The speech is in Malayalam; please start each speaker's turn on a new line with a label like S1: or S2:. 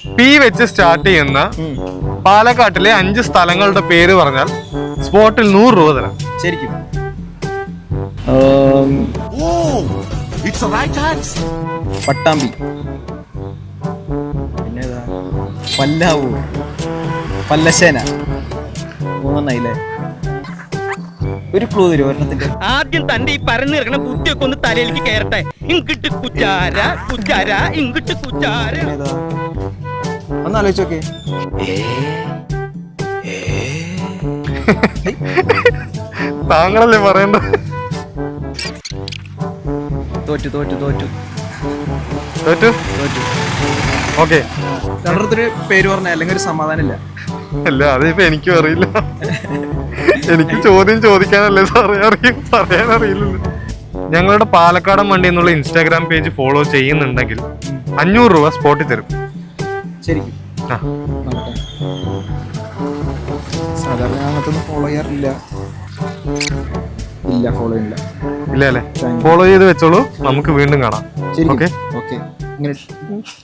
S1: പി വെച്ച് സ്റ്റാർട്ട് ചെയ്യുന്ന പാലക്കാട്ടിലെ 5 സ്ഥലങ്ങളുടെ പേര് പറഞ്ഞാൽ സ്പോട്ടിൽ 100 രൂപ തരാം.
S2: ശരിക്കും പട്ടാമ്പി, പിന്നേതാ, പല്ലാവൂർ, പല്ലശ്ശേന, 3 ഒരു ക്ലൂ തരും ഒരെണ്ണത്തിന്റെ.
S3: ആദ്യം തന്റെ ഈ പരന്നു കിടക്കണ ബുദ്ധിയൊക്കെ ഒന്ന് തലയിലേക്ക് കയറട്ടെ. ഇങ്ങിട്ട് കുച്ചാര കുച്ചാര ഇങ്ങിട്ട് കുച്ചാര.
S2: ഒന്ന് ആലോചിച്ചോക്കെ.
S1: താങ്കളല്ലേ പറയണ്ട.
S2: തോറ്റു തോറ്റു തോറ്റു
S1: തോറ്റു.
S2: തോറ്റു.
S1: ഓക്കെ,
S2: രണ്ടൊരു പേര് പറഞ്ഞ അല്ലെങ്കിൽ ഒരു സമാധാനം ഇല്ല.
S1: അല്ല അതിപ്പോ എനിക്കും അറിയില്ല. എനിക്ക് ചോദ്യം ചോദിക്കാനല്ലേ സാറേ അറിയും, പറയാൻ അറിയില്ലല്ലോ. ഞങ്ങളുടെ പാലക്കാടൻ വണ്ടി എന്നുള്ള ഇൻസ്റ്റാഗ്രാം പേജ് ഫോളോ ചെയ്യുന്നുണ്ടെങ്കിൽ 500 രൂപ സ്പോട്ടിൽ തരും.
S2: ശരിക്കും സാധാരണ അങ്ങനത്തൊന്നും ഫോളോ ചെയ്യാറില്ല. ഇല്ല, ഫോളോ ഇല്ല.
S1: ഇല്ല അല്ലേ? ഫോളോ ചെയ്ത് വെച്ചോളൂ, നമുക്ക് വീണ്ടും കാണാം. Okay
S2: okay. ഇങ്ങനെ